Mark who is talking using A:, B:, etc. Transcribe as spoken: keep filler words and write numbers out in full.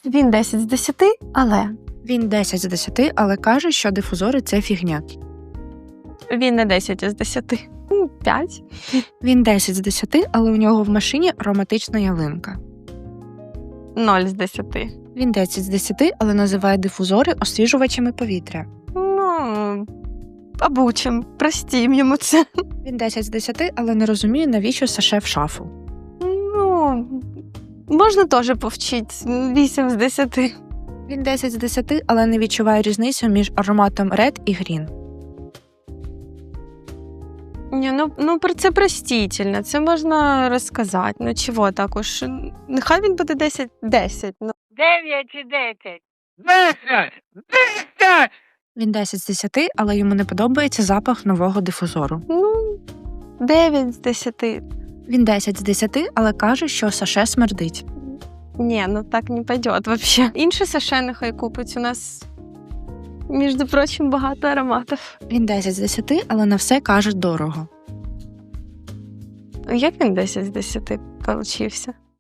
A: Він десять з десяти, але
B: Він десять з десяти, але каже, що дифузори – це фігня.
A: він не десять з десяти. п'ять.
B: Він десять з десяти, але у нього в машині ароматична ялинка.
A: нуль з десяти.
B: Він десять з десяти, але називає дифузори освіжувачами повітря.
A: Ну, обучим, простім йому це.
B: Він десять з десяти, але не розуміє, навіщо саше в шафу.
A: Ну, можна теж повчити. вісім з десяти.
B: Він десять з десяти, але не відчуває різницю між ароматом Red і Green.
A: Ні, ну, ну про це простительно, це можна розказати. Ну чого так уж, нехай він буде десять десять. Ну.
C: Дев'ять і десять. Десять! Десять!
B: Він десять з десяти, але йому не подобається запах нового дифузору.
A: Ну, дев'ять з десяти.
B: Він десять з десяти, але каже, що саше смердить.
A: Ні, ну так не пойдет вообще. Інші саше нехай купить. У нас, між прочим, багато ароматів.
B: Він десять з десяти, але на все каже дорого.
A: Як він десять з десяти получився?